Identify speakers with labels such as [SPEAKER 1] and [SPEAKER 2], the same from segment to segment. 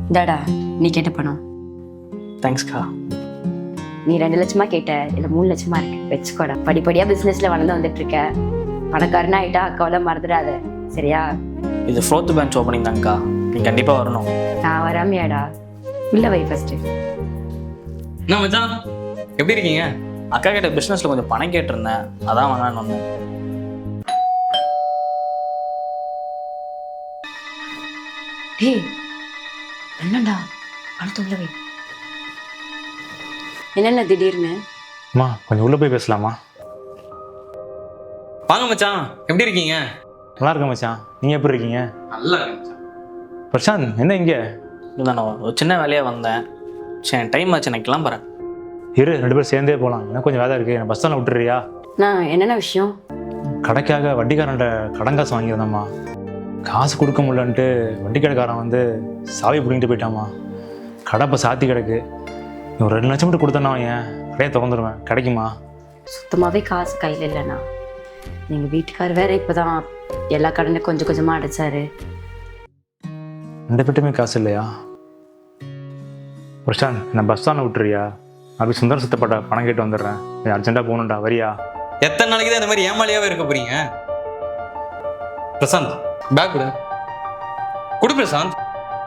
[SPEAKER 1] இந்தாடா நீ கேட்ட பணம்.
[SPEAKER 2] தேங்க்ஸ்க்கா.
[SPEAKER 1] நீ 2 லட்சமா கேட்ட, இல்லை 3 லட்சமா இருக்கு, வச்சுக்கோடா. படிப்படியாக பிஸ்னஸில் வளர்ந்து வந்துட்டு இருக்க. பணக்காரனா ஆகிட்டா அக்காவெல்லாம் மறந்துடாத, சரியா?
[SPEAKER 2] இது 4th பேட்ச் ஓப்பனிங் தான்க்கா, நீ கண்டிப்பாக வரணும்.
[SPEAKER 1] நான் வராமையாடா? உள்ள வை ஃபர்ஸ்ட்.
[SPEAKER 3] என்ன மச்சான், எப்படி இருக்கீங்க?
[SPEAKER 2] அக்கா கிட்ட பிஸ்னஸில் கொஞ்சம் பணம் கேட்டிருந்தேன், அதான் வாங்கலான்னு வந்தேன்.
[SPEAKER 1] டேய் என்னடா, பணத்தை உள்ள வை. என்னென்ன திடீர்னு?
[SPEAKER 4] அம்மா கொஞ்சம் உள்ளே போய் பேசலாமா?
[SPEAKER 3] வாங்க மச்சான், எப்படி இருக்கீங்க?
[SPEAKER 4] நல்லா இருக்கேன் மச்சான், நீங்கள் எப்படி இருக்கீங்க?
[SPEAKER 3] நல்லா இருக்கேன் மச்சான்.
[SPEAKER 4] பிரசாந்த் என்ன இங்கே?
[SPEAKER 2] இதுதான் நான் ஒரு சின்ன வேலையாக வந்தேன். சரி டைம் ஆச்சு, நான் கிளம்புறேன்.
[SPEAKER 4] இரு 2 பேரும் சேர்ந்தே போகலாம், எனக்கு கொஞ்சம் வேலை இருக்குது. பஸ் ஸ்டாண்டில் விட்டுறியா?
[SPEAKER 1] நான் என்னென்ன விஷயம்?
[SPEAKER 4] கடைக்காக வட்டிக்காரன்ட்ட கடன் காசு வாங்கியிருந்தேம்மா. காசு கொடுக்க முடியலன்ட்டு வண்டி கடைக்காரன் வந்து சாவி பிடிங்கிட்டு போயிட்டாம்மா. கடை இப்போ சாத்தி கிடக்கு. நீ ஒரு 2 லட்சம் மட்டும் கொடுத்தனா என் கடையை திறந்துடுவேன், கிடைக்குமா?
[SPEAKER 1] சுத்தமாகவே காசு கையில் இல்லைண்ணா. எங்கள் வீட்டுக்கார் வேற இப்போ தான் எல்லா கடனையும் கொஞ்சம் கொஞ்சமாக அடைச்சாரு.
[SPEAKER 4] 2 பேட்டுமே காசு இல்லையா? பிரசாந்த் என்ன பஸ் ஸ்டாண்டில் விட்டுறியா? அப்படி சுந்தர சுத்தப்பட்ட பணம் கேட்டு வந்துடுறேன், அர்ஜென்ட்டாக போகணுண்டா, வரியா?
[SPEAKER 3] எத்தனை நாளைக்கு தான் இந்த மாதிரி ஏமாளியாவே இருக்க போறீங்க? பிரசாந்த் பேக் கொடு. கொடு பிரசாந்த்.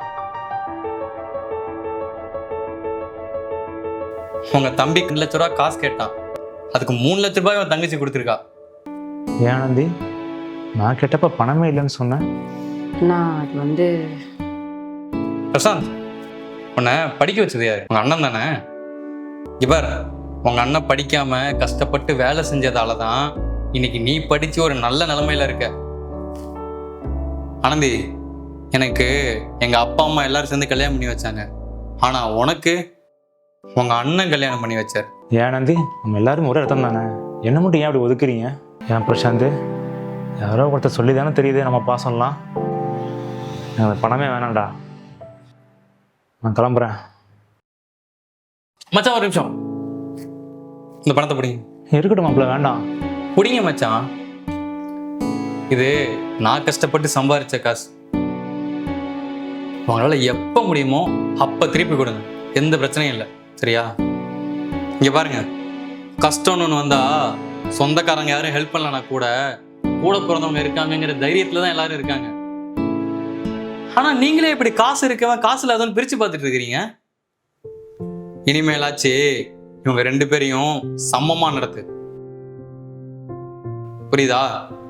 [SPEAKER 3] உங்க தம்பி 2 லட்ச ரூபா காசு கேட்டான், அதுக்கு 3 லட்ச ரூபாய் அவன் தங்கச்சி கொடுத்துருக்கா.
[SPEAKER 4] ஏன் ஆனந்தி, நான் கேட்டப்ப பணமே இல்லைன்னு சொன்னேன்.
[SPEAKER 1] நான் அது வந்து
[SPEAKER 3] பிரசாந்த், உன்னை படிக்க வச்சது யாரு? உங்க அண்ணன் தானே? இவர் உங்க அண்ணன் படிக்காம கஷ்டப்பட்டு வேலை செஞ்சதால தான் இன்னைக்கு நீ படிச்சு ஒரு நல்ல நிலைமையில இருக்க. ஆனந்தி, எனக்கு எங்க அப்பா அம்மா எல்லாரும் சேர்ந்து கல்யாணம் பண்ணி வச்சாங்க. ஆனா உனக்கு உங்க அண்ணன் கல்யாணம் பண்ணி வச்சார்.
[SPEAKER 4] ஏன் ஆனந்தி, நம்ம எல்லாரும் ஒரே இடத்துல தானே, என்ன மட்டும் ஏன் அப்படி ஒதுக்குறீங்க? ஏன் பிரசாந்த், யாரோ ஒருத்தர் சொல்லி தானே தெரியுது நம்ம பாசம்லாம். எனக்கு பணமே வேணாம்டா, நான் கிளம்புறேன்.
[SPEAKER 3] மச்சான் ஒரு நிமிஷம், இந்த பணத்தை பிடிங்க.
[SPEAKER 4] இருக்கட்டும் மாப்பிள்ள, வேண்டாம்.
[SPEAKER 3] பிடிங்க மச்சான், இது நான் கஷ்டப்பட்டு சம்பாதிச்ச காசு. உங்களால் எப்போ முடியுமோ அப்போ திருப்பி கொடுங்க, எந்த பிரச்சனையும் இல்லை, சரியா? இங்கே பாருங்க, கஷ்டம்னு ஒன்று வந்தா சொந்தக்காரங்க யாரும் ஹெல்ப் பண்ணலனா கூட கூட பிறந்தவங்க இருக்காங்கங்கிற தைரியத்தில் தான் எல்லாரும் இருக்காங்க. ஆனால் நீங்களே இப்படி காசு இருக்கவன் காசு இல்லாதவன்னு பிரித்து பார்த்துட்டு இருக்கிறீங்க. இனிமேலாச்சு இவங்க 2 பேரையும் சமமாக நடத்து, புரியுதா?